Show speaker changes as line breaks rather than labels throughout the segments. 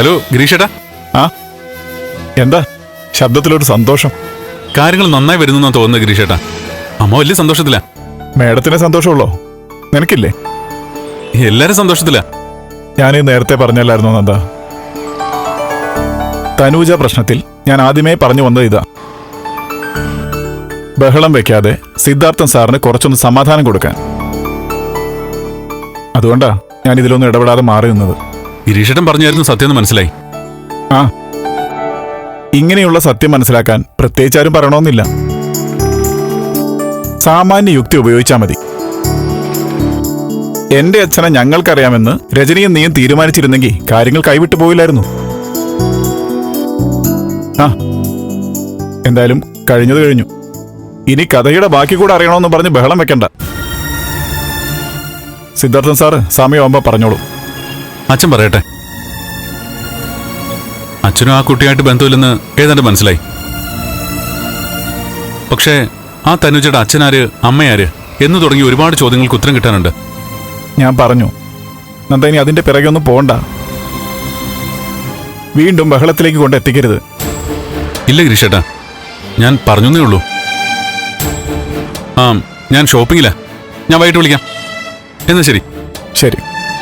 Hello ഗിരീഷേട്ടാ.
ആ എന്താ ശബ്ദത്തിലൊരു സന്തോഷം?
കാര്യങ്ങൾ നന്നായി വരുന്നു തോന്നുന്നത് ഗിരീഷേട്ടാ. അമ്മ വലിയ സന്തോഷത്തില.
മേഡത്തിന് സന്തോഷമുള്ളോ? നിനക്കില്ലേ?
എല്ലാരും സന്തോഷത്തില.
ഞാൻ നേരത്തെ പറഞ്ഞല്ലായിരുന്നോ നന്ദ, തനൂജ പ്രശ്നത്തിൽ ഞാൻ ആദ്യമേ പറഞ്ഞു വന്നത് ഇതാ. ബഹളം വെക്കാതെ സിദ്ധാർത്ഥൻ സാറിന് കുറച്ചൊന്ന് സമാധാനം കൊടുക്കാൻ. അതുകൊണ്ടാ ഞാൻ ഇതിലൊന്നും ഇടപെടാതെ മാറി നിന്നത്.
ഗിരീഷേട്ടൻ പറഞ്ഞായിരുന്നു സത്യം മനസ്സിലായി.
ആ, ഇങ്ങനെയുള്ള സത്യം മനസ്സിലാക്കാൻ പ്രത്യേകിച്ച് ആരും പറയണമെന്നില്ല. സാമാന്യ യുക്തി ഉപയോഗിച്ചാൽ മതി. എന്റെ അച്ഛനെ ഞങ്ങൾക്കറിയാമെന്ന് രജനിയും നീയും തീരുമാനിച്ചിരുന്നെങ്കിൽ കാര്യങ്ങൾ കൈവിട്ടു പോയില്ലായിരുന്നു. ആ, എന്തായാലും കഴിഞ്ഞത് കഴിഞ്ഞു. ഇനി കഥയുടെ ബാക്കി കൂടെ അറിയണമെന്ന് പറഞ്ഞ് ബഹളം വെക്കണ്ട. സിദ്ധാർത്ഥൻ സാറ് സമയമാകുമ്പോ പറഞ്ഞോളൂ.
അച്ഛൻ പറയട്ടെ. അച്ഛനും ആ കുട്ടിയായിട്ട് ബന്ധമില്ലെന്ന് ഏതാണ്ട് മനസ്സിലായി. പക്ഷേ ആ തനുജയുടെ അച്ഛനാര് അമ്മയാര് എന്ന് തുടങ്ങി ഒരുപാട് ചോദ്യങ്ങൾക്ക് ഉത്തരം കിട്ടാനുണ്ട്.
ഞാൻ പറഞ്ഞു നന്ദ, ഇനി അതിന്റെ പിറകെ ഒന്നും പോണ്ട. വീണ്ടും ബഹളത്തിലേക്ക് കൊണ്ട് എത്തിക്കരുത്.
ഇല്ല ഗിരീഷേട്ടാ, ഞാൻ പറഞ്ഞേ ഉള്ളൂ. ആ, ഞാൻ ഷോപ്പിങ്ങിലാ. ഞാൻ വൈകിട്ട് വിളിക്കാം. എന്നാ ശരി.
ശരി.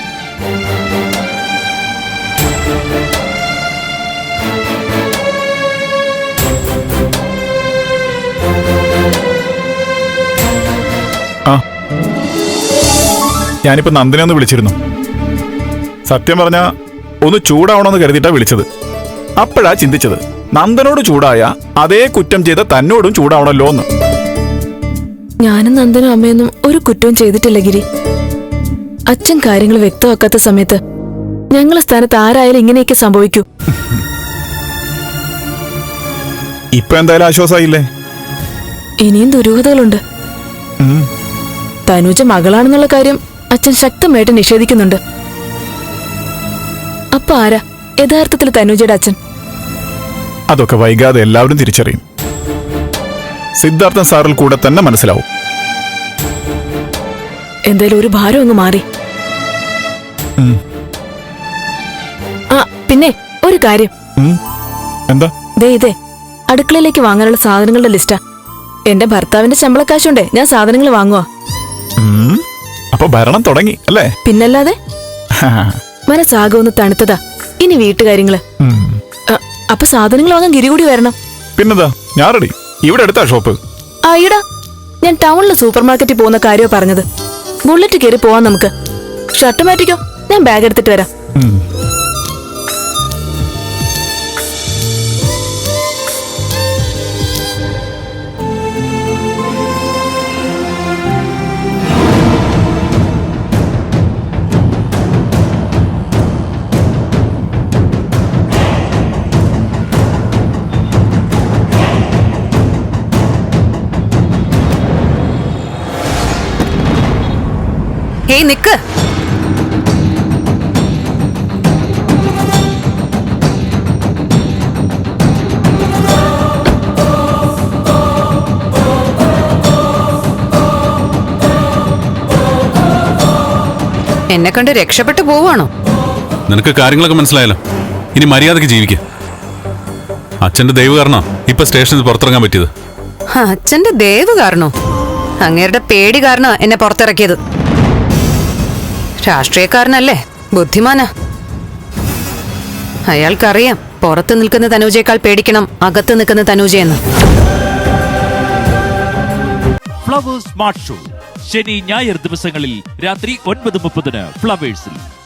ആ, ഞാനിപ്പോ നന്ദനെ ഒന്ന് വിളിച്ചിരുന്നു. സത്യം പറഞ്ഞ ഒന്ന് ചൂടാവണമെന്ന് കരുതിയിട്ടാ വിളിച്ചത്. അപ്പോഴാ ചിന്തിച്ചത്, നന്ദനോട് ചൂടായ അതേ കുറ്റം ചെയ്ത തന്നോടും ചൂടാവണല്ലോ എന്ന്.
ഞാനും നന്ദനും അമ്മയൊന്നും ഒരു കുറ്റവും ചെയ്തിട്ടില്ല ഗിരി. അച്ഛൻ കാര്യങ്ങൾ വ്യക്തമാക്കാത്ത സമയത്ത് ഞങ്ങളെ സ്ഥാനത്ത് ആരായാലും ഇങ്ങനെയൊക്കെ സംഭവിക്കൂ.
ഇപ്പൊ എന്തായാലും ആശ്വാസമായില്ലേ?
ഇനിയും ദുരൂഹതകളുണ്ട്. തനൂജ മകളാണെന്നുള്ള കാര്യം അച്ഛൻ ശക്തമായിട്ട് നിഷേധിക്കുന്നുണ്ട്. അപ്പൊ ആരാ യഥാർത്ഥത്തിൽ തനൂജയുടെ അച്ഛൻ?
അതൊക്കെ വൈകാതെ എല്ലാവരും തിരിച്ചറിയും. സിദ്ധാർത്ഥൻ സാറിൽ കൂടെ തന്നെ മനസ്സിലാവും.
എന്തായാലും ഒരു ഭാരം അങ്ങ് മാറി. ആ, പിന്നെ ഒരു കാര്യം.
എന്താ?
ഇതേ അടുക്കളയിലേക്ക് വാങ്ങാനുള്ള സാധനങ്ങളുടെ ലിസ്റ്റാ. എന്റെ ഭർത്താവിന്റെ ശമ്പളക്കാശുണ്ടേ ഞാൻ സാധനങ്ങൾ വാങ്ങുവാ.
അപ്പൊ ഭരണം തുടങ്ങി അല്ലേ?
പിന്നല്ലാതെ. മനസ്സാകെ ഒന്ന് തണുത്തതാ. ഇനി വീട്ടുകാര്യങ്ങള്. അപ്പൊ സാധനങ്ങൾ വാങ്ങാൻ ഗിരി കൂടി വരണം.
പിന്നെന്താ, ഞാൻ റെഡി. ഇവിടെ അടുത്താ ഷോപ്പ്.
ആയിടാ, ഞാൻ ടൗണിലെ സൂപ്പർ മാർക്കറ്റിൽ പോകുന്ന കാര്യമോ പറഞ്ഞത്. ബുള്ളറ്റ് കയറി പോവാൻ നമുക്ക്. ഷർട്ട് മാറ്റിക്കോ, ഞാൻ ബാഗ് എടുത്തിട്ട് വരാം.
ഹേയ് നിക്ക്. എന്നെ കണ്ട് രക്ഷപ്പെട്ടു പോവാണോ?
നിനക്ക് കാര്യങ്ങളൊക്കെ മനസ്സിലായല്ലോ. ഇനി മര്യാദക്ക് ജീവിക്കുക. അച്ഛന്റെ ദൈവ കാരണോ ഇപ്പൊ സ്റ്റേഷനിൽ പുറത്തിറങ്ങാൻ പറ്റിയത്.
അച്ഛന്റെ ദേവ് കാരണോ? അങ്ങേരുടെ പേടി കാരണോ എന്നെ പുറത്തിറക്കിയത്. രാഷ്ട്രീയക്കാരനല്ലേ, ബുദ്ധിമാനാ. അയാൾക്കറിയാം പുറത്ത് നിൽക്കുന്ന തനൂജയേക്കാൾ പേടിക്കണം അകത്ത് നിൽക്കുന്ന തനൂജയെന്ന്.
ഫ്ലവേഴ്സ് സ്മാർട്ട് ഷോ ശനി ഞായർ ദിവസങ്ങളിൽ രാത്രി 9:30 ഫ്ലവേഴ്സിൽ.